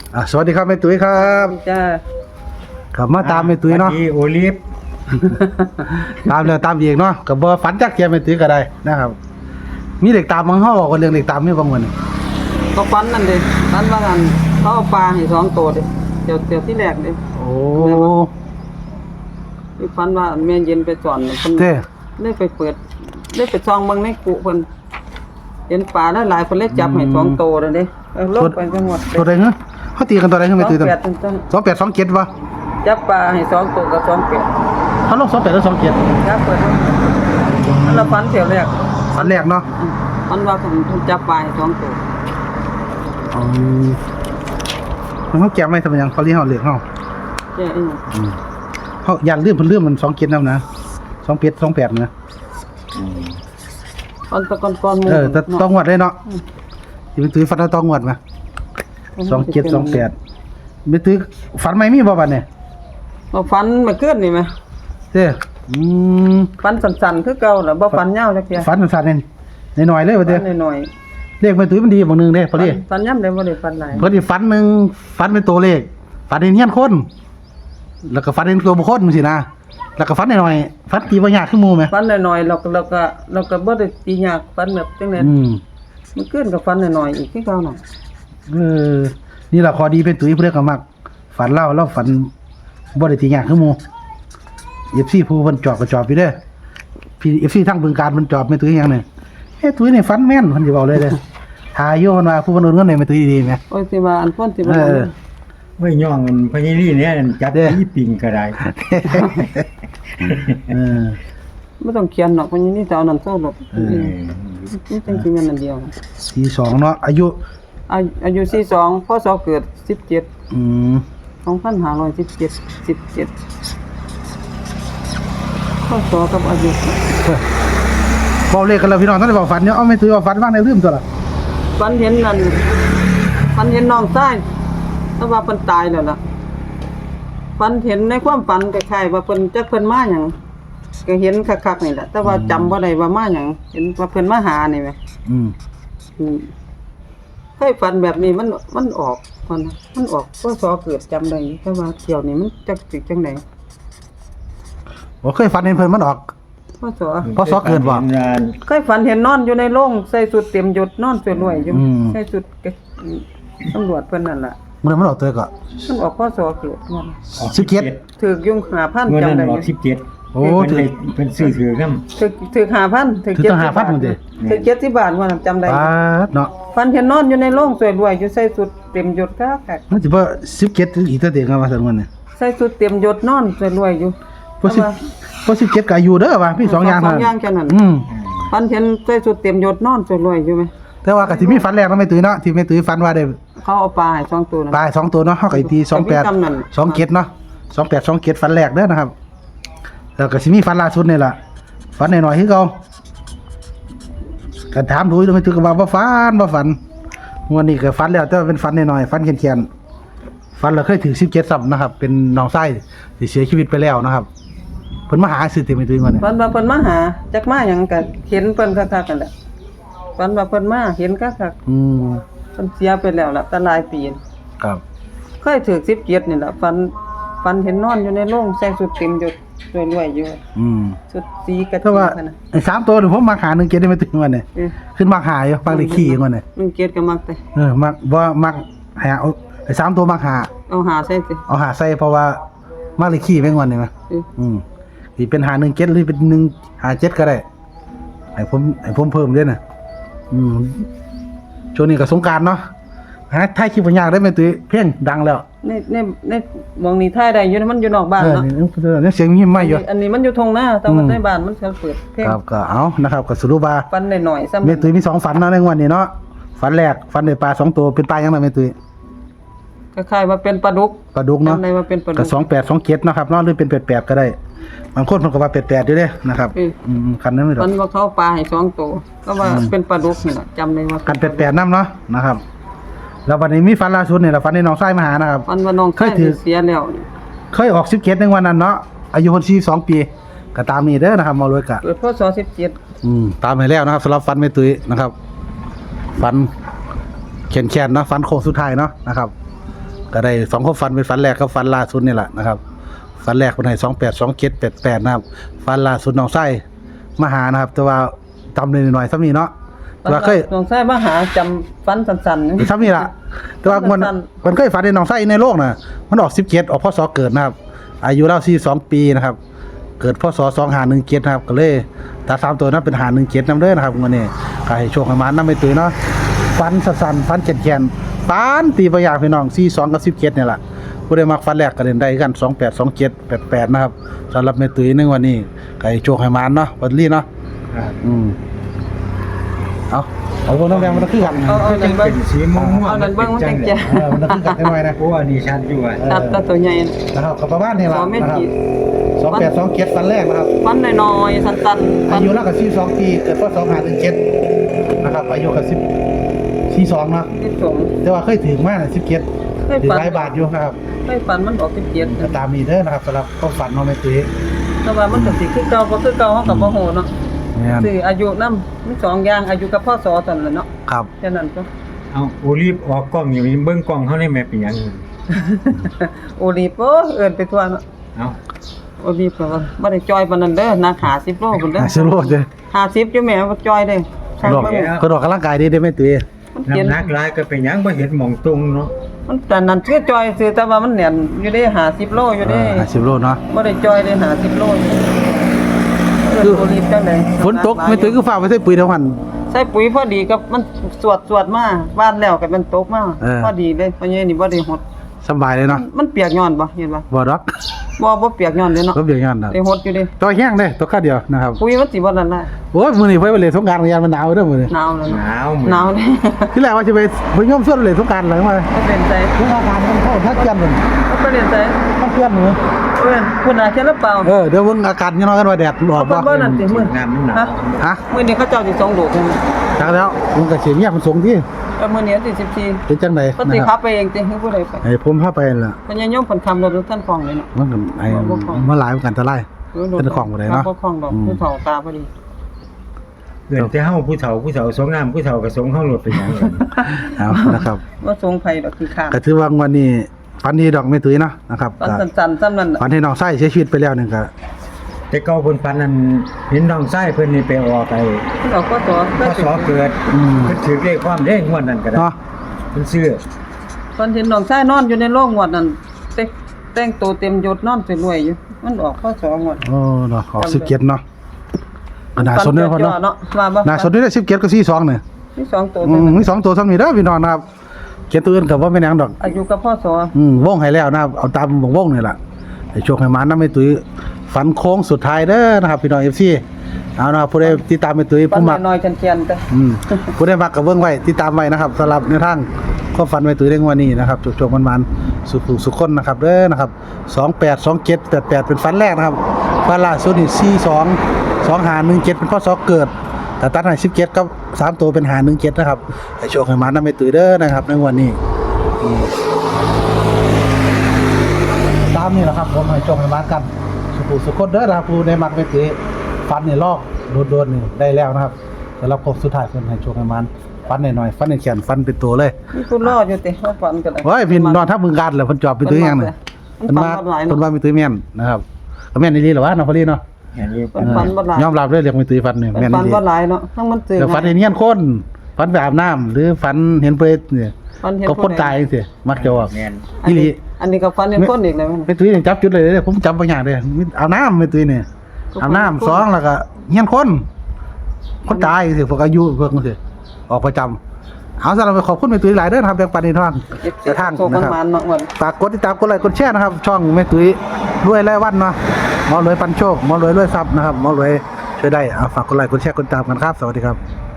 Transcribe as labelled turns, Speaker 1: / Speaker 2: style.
Speaker 1: สวัสดีครับแม่ตุ้ยครับ
Speaker 2: จ้า
Speaker 1: ขับมาตามแม่ตุ้ยเนาะ
Speaker 3: โอลิฟ
Speaker 1: ตามแล้วตามอีกเนาะกับบ่ฝันจักเทียมแม่ตุ้ยก็ได้นะครับมีเด็กตามมังเฮาบอกว่าเรื่องเด็กตามมีบางวัน
Speaker 2: ก็ฟันนั่นเด้ฟันว่างันเขาเอาปลาให้2ตัวเด้เดี๋ยวที่แรกเด้
Speaker 1: โอ้
Speaker 2: ที่ฟันว่าแม่เย็นไปสอนเพิ่นได้ไปเปิดได้ไปซองเบิ่งในกุเพิ่นเห็นปลาหลายๆเพิ่นเลยจับให้2ตัวเด้ลงไปทั้งหมด
Speaker 1: ตัวใดฮะเฮาตีกันตัวใดฮะแม่ตุ้ยตัว28 27บ่
Speaker 2: จับปลาให้2ตัวกับ28
Speaker 1: เฮาลง28หรือ27
Speaker 2: จับเปิดมันละฟันเที่ยวแรก
Speaker 1: ฝันแรกเนาะ
Speaker 2: มันว่าเพิ่นจับปลาให้2ตัว
Speaker 1: เฮาแก้ไม่ทำหยังเขาเรียกเฮาเลือกเฮา
Speaker 2: แก่อีหยัง
Speaker 1: เฮาอยากลืมเพิ่นลืมมัน27นำนะ27 28นะ
Speaker 2: ตอนตะก่อนๆหมู่
Speaker 1: แต่ต้องงวดเลยเนาะสิไปตื้อฝันต้องงวดมา27 28ไม่ตื้อฝันใหม่มีบ่บัดนี้
Speaker 2: บ่ฟันมาเกินนี่มั้ย
Speaker 1: เด้
Speaker 2: ฟันสั้นๆคือเก่าล่ะบ่ฟันยาวจักเที่ย
Speaker 1: ฝันสั้นๆน้อยๆเลยว่าเด้
Speaker 2: หน่อย
Speaker 1: เลขแม่ตุ้ยมันดีบางนึงเด้พอดี
Speaker 2: ฟันย่ำได้บ่ได้ฟันหลาย
Speaker 1: พอดีฝันนึงฝันเป็นตัวเลขฝันเห็นเฮียนคนแล้วก็ฝันเห็นตัวบุคคลจังซี่นะแล้วก็ฝันน้อยๆฝันตีบ่ยากคือหมู่แม่
Speaker 2: ฟันน้อยๆเราก็บ่ได้ตียากฟันแบบจังได๋มันเกินกับฟันน้อยๆอีกคือเก่าน่ะ
Speaker 1: นี่ล่ะข้อดีเป็นตุ้ยเพิ่นก็มักฝันเราฝันบ่ได้ตียากคือหมู่ FC ผู้เพิ่นจอบก็จอบอยู่เด้อพี่ FC ทั้งบึงการเพิ่นจอบแม่ตุ้ยหยังนี่ตุ้ยนี่ฝันแม่นเพิ่นสิเว้าเลยเด้อทาอยู่เพิ่นว่าผู้เพิ่นโอนเงินให้แม่ตุ้ยดีๆแหม
Speaker 2: โอ้ยสิว่าอันพ้นสิว่า
Speaker 3: ไม่ย่องพญาลี่เนี่ยจับที่ปิงก็ได้
Speaker 2: บ่ต้องเขียนเนาะเพราะนี่แต่เอานั่นโซ่หลบนี่จริงๆอันเดียว
Speaker 1: 42เนาะอายุ
Speaker 2: 42พศเกิด172517 17พศกับอายุ
Speaker 1: เว้าเลขกันแล้วพี่น้องท่านได้บอกฝันเนาะเอาแม่ตุ้ยว่าฝันว่าได้ลืมตัวล่ะ
Speaker 2: ฝันเห็นนั่นฝันเห็นน้องชายแต่ว่าเพิ่นตายแล้วล่ะฝันเห็นในความฝันคล้ายๆว่าเพิ่นจักเพิ่นมาหยังก็เห็นคักๆนี่แหละแต่ว่าจำบ่ได้ว่ามาหยังเห็นว่าเพิ่นมาหานี่แหมเคยฝันแบบนี้มันออกมันออกพศเกิดจำได้แต่ว่าเที่ยวนี้มันจักสิจังได๋
Speaker 1: บ่เคยฝันเห็นเพิ่นมันออกพศเกิดบ่
Speaker 2: เคยฝันเห็นนอนอยู่ในโรงใส่ชุดเต็มยศนอนสวยรวยอยู่ใส่ชุดตำรวจเพิ่นนั่นล่ะ
Speaker 1: มันออกตัวก็
Speaker 2: มันออกพศเกิดนั่น
Speaker 1: 17
Speaker 2: ถูกยุ่ง5,000จำได้อยู่
Speaker 3: 17โอ้เพิ่นซื้อถือนำ
Speaker 2: ถูก 5,000 ถูก
Speaker 1: 5,000พุ่นติ
Speaker 2: ถูก70บาทว่าจำได้
Speaker 1: เนาะ
Speaker 2: ฝันเห็นนอนอยู่ในโรงสวยรวยอยู่ใส่ชุดเต็มยศคัก
Speaker 1: มันสิบ่17อีกตัวเด้ว่าซั่นว่านี่
Speaker 2: ใส่ชุดเต็มยศนอนสวยรวยอยู่
Speaker 1: บ่17ก็อายุเด้อว่ามี2อย่าง
Speaker 2: 2อย่างแค่นั้นฝันเห็นใส่ชุดเต็มยศนอนสวยรวยอยู่มั้ย
Speaker 1: แต่ว่าก็สิมีฝันแรกเนาะแม่ตุ้ยเนาะที่แม่ตุ้ยฝันว่าได้
Speaker 2: เขาเอาปลาให้2ตัว
Speaker 1: ปลา2ตัวเนาะเฮาก็ตี28 27เนาะ28 27ฝันแรกเด้อนะครับแล้วก็สิมีฝันล่าสุดนี่ล่ะฝันน้อยๆคือเก่าก็ถามดูแม่ตุ้ยก็ว่าบ่ฝันงวดนี้ก็ฝันแล้วแต่ว่าเป็นฝันน้อยๆฝันแค่นๆฝันแล้วเคยถึง17ซ้ำนะครับเป็นน้องชายที่เสียชีวิตไปแล้วนะครับเพิ่นมาหาซื้อเต็มแม่ตุ้ยว่านี่
Speaker 2: ฝันว่าเพิ่นมาหาจักมาหยังก็เห็นเพิ่นคักๆกันแหละฝันว่าเพิ่นมาเห็นคักๆเพิ่นเสียไปแล้วล่ะตั้งหลายปี
Speaker 1: ครับ
Speaker 2: เคยถึก17นี่ล่ะฝันเห็นนอนอยู่ในโรงใส่ชุดเต็มยศรวยๆอยู่ชุดสีกะทิ
Speaker 1: นั่นน่ะไอ้3ตัวนี่ผมมาหา1เกตได้ไม่ถึงวันนี่ขึ้นมาหาอยู่บางเลขขี้มันนี่
Speaker 2: 1เกตก็มักแต่
Speaker 1: มักบ่มักหาไอ้3ตัวมักหา
Speaker 2: เอาหาใส่สิ
Speaker 1: เอาหาใส่เพราะว่ามักเลขขี้แม่งวันนี่มั้ยสิเป็นหา1เกตหรือเป็น1หา7ก็ได้ให้ผมเพิ่มด้วยน่ะช่วงนี้ก็สงกรานต์เนาะถ่ายคลิปบ่ยากได้แม่ตุ้ยเพลงดังแล้ว
Speaker 2: ในมองนี่ถ่ายได้อยู่มันอยู่นอกบ้านเนาะ
Speaker 1: นี่เสียงมีไม่อยู่
Speaker 2: อันนี้มันอยู่ทงหน้าแต่ว่าในบ้านมันเปิดเพลง
Speaker 1: ครับก็เอานะครับก็สรุปว่า
Speaker 2: ฝันน้อยๆซ้ำ
Speaker 1: แม่ตุ้ยมี2ฝันเนาะในวันนี้เนาะฝันแรกฝันได้ปลา2ตัวเป็นปลาหยังล่ะแม่ตุ้ย
Speaker 2: คล้ายๆว่าเป็นปลาดุก
Speaker 1: เนาะ
Speaker 2: จำได้ว่าเป็นปลาดุก
Speaker 1: ก็28 27เนาะครับเนาะหรือเป็น88ก็ได้บางคนเพิ่นก็ว่า88อยู่เด้นะครับคันนั้นไม่ดอก
Speaker 2: มันว่าเขาปลาให้2ตัวก็ว่าเป็นปลาดุกนี่ล่ะจำได้ว่า
Speaker 1: กัน88นำเนาะนะครับแล้ววันนี้มีฝันล่าสุดนี่ล่ะฝันในน้องชายมาหานะครับ
Speaker 2: ฝันว่าน้องชายเสียแล้ว
Speaker 1: เคยออก17ในวันนั้นเนาะอายุเพิ่น42ปีก็ตามนี้เด้อนะครับมารวยกะ
Speaker 2: เกิดพศ17
Speaker 1: ตามให้แล้วนะครับสำหรับฝันแม่ตุ้ยนะครับฝันแค้นๆเนาะฝันโค้งสุดท้ายเนาะนะครับก็ได้2ความฝันเป็นฝันแรกกับฝันล่าสุดนี่แหละนะครับฝันแรกเพิ่นให้282788นะครับฝันล่าสุดน้องไส้มาหานะครับ แต่ว่าจำได้หน่อยๆซ้ำนี้เนาะแต่ว่าเคย
Speaker 2: น้องชายมาหาจำฟันสั้นๆ
Speaker 1: ซ้ำนี่ล่ะแต่ว่ามันเคยฝันในน้องไส้ในโลกน่ะมันออก17ออกพศเกิดนะครับ อายุเรา42ปีนะครับ เกิดพศ2517นะครับก็เลยถ้า3ตัวนั้นเป็น517นำเด้อนะครับมื้อนี้ก็ให้โชคให้มานำไปตุ้ยเนาะฝันสั้นๆฝันแก่นๆฝันตีประหยัดพี่น้อง42กับ17นี่ล่ะผู้ใดมักฝันแรกก็เล่นได้กัน28 27 88นะครับสำหรับแม่ตุ้ยในวันนี้ก็ให้โชคให้มานเนาะวันนี้เนาะ
Speaker 3: ครับ
Speaker 1: เอาพวกน้องแดงมันคือกัน
Speaker 2: เอา
Speaker 3: จังเป็นสีม่วงๆ
Speaker 2: เอานั่นเบิ่งมันจังแจ๋
Speaker 1: มันคือกันได้หน่อยนะ
Speaker 3: โอ้อันนี้ชัดอยู่อ่ะ
Speaker 2: ตัดตาตัวใหญ่
Speaker 1: นะครับกับประมาณนี้
Speaker 2: ส
Speaker 1: ล่ะ
Speaker 2: องเม็ด
Speaker 1: นะครับ
Speaker 2: กี่
Speaker 1: 28 27ฝันแรกนะครับ
Speaker 2: ฟันน้อยๆสั้นๆฟั
Speaker 1: อาน ยุแล้วก็42ปีเกิดพศ2517นะครับอายุก็42เนาะ
Speaker 2: ที่สอง
Speaker 1: แต่ว่าเคยถึงมากนะ17
Speaker 2: เคย
Speaker 1: ถึง
Speaker 2: ฝัน
Speaker 1: หลายบาทอยู่นะครับ
Speaker 2: เคยฝันมันออก17
Speaker 1: ก็ตามนี้เด้อนะครับสำหรับความฝันน้องแม่ตุ้ย
Speaker 2: แต่ว่ามันก็สิคือเก่าบ่คือเก่าเฮาก็บ่ฮู้เนาะ
Speaker 1: แม่น
Speaker 2: คืออายุนำมี2อย่างอายุกับพศซั่นแหละเนาะ
Speaker 1: ครับ
Speaker 2: แค่นั้นก็
Speaker 3: เอาโอลีฟออกกล้องอยู่เบิ่งกล้องเขาได้แม่เป็นหยัง
Speaker 2: โอลีฟเอิ้นไปทั่วเนาะ
Speaker 3: เอา
Speaker 2: โอลีฟก็ว่าบ่ได้จอยปานนั้นเด้อนัก50โลพุ่นเด้อ
Speaker 1: สิโลดเด้อ
Speaker 2: 50อยู่แม่บ่จอยเด้อช่าง
Speaker 1: ดอก
Speaker 2: เบิ่ง
Speaker 1: ก็ดอกกำลังกายดีได้อแม่ตุ้ย
Speaker 2: มันเขียน
Speaker 3: น้ำหนักหลายก็เป็นหยังบ่เห็นหม่องตรงเนาะ
Speaker 2: มันแต่นั้นคือจอยซื้อแต่ว่ามันแน่นอยู่เด้50โลอยู่เด้
Speaker 1: 50โลเนาะ
Speaker 2: บ่ได้จอยได้50โลอยู่คือโอลีฟจังได๋
Speaker 1: ฝนตกแม่ตุ้ยคือฟ้าไปใส่ปุ๋ยเท่านั้น
Speaker 2: ใส่ปุ๋ยพอดีกับมันสวดมาบ้านแล้วก็มันตกมา
Speaker 1: เออ
Speaker 2: พอดีเลยเพราะงี้นี่บ่ได้หด
Speaker 1: สบายเลยเนาะ
Speaker 2: มันเปียกย้อนบ่เห็นบ่
Speaker 1: บ่ดอก
Speaker 2: บ่เปียกย้อนเด้เนาะ
Speaker 1: ก็เบียงงานน่ะ
Speaker 2: ได้หดอยู่เด้
Speaker 1: ตัวแห้งเด้ตัวข้าเดียวนะครับ
Speaker 2: ปุ๋ยมันสิบ่นั่นน่ะ
Speaker 1: โอ้ยมื้อนี้ไปเล่นสงกรานต์กันยามมันหนาวเด้อมื้อนี้
Speaker 2: หนาวแล้ว
Speaker 3: ห
Speaker 2: เนาะ
Speaker 3: นาว
Speaker 2: หนาวเด้
Speaker 1: ที่แรกว่าจะไปย่อมส่วนเล่นสงกรานต์หลังมา
Speaker 2: ก็เป็นใจ
Speaker 1: สงกรานต์มันเข้าทักเกียนมัน
Speaker 2: ก็เป็นใจ
Speaker 1: ทักเกียนมื้อ
Speaker 2: เอ้ยคุณอาเขียนหรือเปล่า
Speaker 1: เดี๋ยวเบิ่งอากาศยังน้อยกันว่าแดดออกบ่
Speaker 2: เพิ่นบ่นั่นสิมื้อ
Speaker 3: น้ำมันหนาว
Speaker 2: ฮะ
Speaker 1: ฮะ
Speaker 2: มื้อนี้เขาเจ้าสิส่งโดก
Speaker 1: จักแล้วมันก็สิเงียบมันสูงที่
Speaker 2: แล้วมื้อนี้สิ14
Speaker 1: เป็นจังได๋
Speaker 2: เพิ่นสิขับไปเองติให้ผู้ใดไป
Speaker 1: ให้ผมพาไปนั่นล่ะ
Speaker 2: เพิ่นยังยมเพิ่นคำรถท่านฟองเลยเนาะ
Speaker 1: มันก็ไอ้มาหลายมันกันตะไล เป็นของบ่ได้เนาะ
Speaker 2: บ่ของดอกผู้เฒ่าตาพอดี
Speaker 3: เกิดแต่เฮาผู้เฒ่าสงน้ำผู้เฒ่าก็สงเฮาหลดเป็นหยัง
Speaker 1: เอานะครับ
Speaker 2: ว่าทรงไผดอกคือข้าง
Speaker 1: ก็ถือว่างวันนี้ฝันดีดอกไม่ตุ้ยเนาะนะครับ
Speaker 2: ตอน
Speaker 1: ก็
Speaker 2: สั้นๆซ้ำนั่นน่ะ
Speaker 1: ฝันให้น้องไส้เสียชีวิตไปแล้วนึงก็
Speaker 3: แต่เก่าเพิ่นปันนั้นเห็นน้องชายเพิ่นนี่ไปออกไอ้
Speaker 2: ดอกก็ตัว
Speaker 3: พศเกิดเพิ่นถือเลขความเด้งวดนั้นก็ได้
Speaker 1: เนาะ
Speaker 3: เพิ่นซื้อ
Speaker 2: ตอนเห็นน้องชายนอนอยู่ในโรงงวดนั่นแต่งตัวเต็มยศนอนสวยๆอยู่มันออกข้อ2งวด
Speaker 1: โอ้เนาะออก17เนาะก็น่าสนเด้อพ่อ
Speaker 2: เนาะ
Speaker 1: เนาะ
Speaker 2: ว่าบ่
Speaker 1: น่าสนเด้อ17กับ42เนี่ย
Speaker 2: มี2ตัวเท่านั้น
Speaker 1: มี2ตัวซ้ำนี่เด้อพี่น้องนะครับเขียนตัวอื่นก็บ่แม่นหยังดอก
Speaker 2: อายุกับพ่อสอ
Speaker 1: วงให้แล้วนะครับเอาตามวงนี่ล่ะให้โชคให้มานำให้ตุ้ยฝันโค้งสุดท้ายเด้อนะครับพี่น้อง FC เอานะครับผู้ใดติดตามให้ตุ้ย
Speaker 2: ปัน
Speaker 1: ผู้มัก
Speaker 2: น้อยๆเจียนๆแต่
Speaker 1: ผู้ได้มักกับเบิ้งไว้ติดตามไว้นะครับสำหรับในทางข้อฝันไว้ตุ้ยเรื่องวันนี้นะครับจุกๆมันๆสุขคนนะครับเด้อนะครับ282788เป็นฝันแรกนะครับฝันล่าสุดนี่42 2517เป็นพศเกิดแต่ตัดให้17กับ3ตัวเป็น517นะครับให้โชคให้มานำให้ตุ้ยเด้อนะครับในวันนี้ตามนี่แหละครับผมให้โชคให้มากันสุขคนเด้อนะครับผู้ได้มักไปตุ้ยฝันนี่ลอกโดนๆนี่ได้แล้วนะครับสำหรับครบสุดท้ายเพิ่นให้โชคให้มันฟันหน่อยๆฟันแขนฟันเป็นตัวเลย
Speaker 2: มีผู้รออยู่ติว่าฝันก็ได้
Speaker 1: โอ้ยพี่นอนทับมึงกันแล้วเพิ่นจอบเป็นตัวอย่างนี่
Speaker 2: มันฝันบ่หลาย
Speaker 1: เพิ่น
Speaker 2: เนาะ
Speaker 1: ว่ามีตัวแม่นนะครับก็แม่นอีหลีเหรอวะน้องพอลีเนาะ
Speaker 3: เห็นอยู่
Speaker 2: เพิ่นฝันบ่หลาย
Speaker 1: ยอมรับเลยเรียกมีตัวฟันนี่แม่น
Speaker 2: ฝั
Speaker 1: อี
Speaker 2: น
Speaker 1: หลี
Speaker 2: บ่หลายเนาะทั้งมันตื่น
Speaker 1: แล้วฝันเห็นเฮียนคนฝันไปอาบน้ำหรือฝันเห็นเปรตนี่
Speaker 2: ฝันเห็น
Speaker 1: ก็คนตายจังซี่มักจะออก
Speaker 3: แม่น
Speaker 1: อีหลี
Speaker 2: อันนี้ก็ฝันเห็นคนอีกแล้วแม่น
Speaker 1: เป็นตุ้ยนี่จับจุดเลยเด้อผมจำบางอย่างเด้อมีอาบน้ำเป็นตุ้ยนี่อาบน้ำสองแล้วก็เฮียนคนตายจังซี่พวกอายุพวกจังซี่ออกประจำเอาสำหรับขอบคุณแม่ตุ้ยหลายเด้อนะครับแบ่งปันในทางแต่ทาง
Speaker 2: โชค
Speaker 1: นะครับ
Speaker 2: มันๆเนาะวัน
Speaker 1: ฝากกดติดตามกดไลค์กดแชร์นะครับ ช่องแม่ตุ้ยรวยรายวันเนาะหมอรวยปันโชคหมอรวยรวยทรัพย์นะครับหมอรวยช่วยได้ฝากกดไลค์กดแชร์กดติดตามกันครับ สวัสดีครับ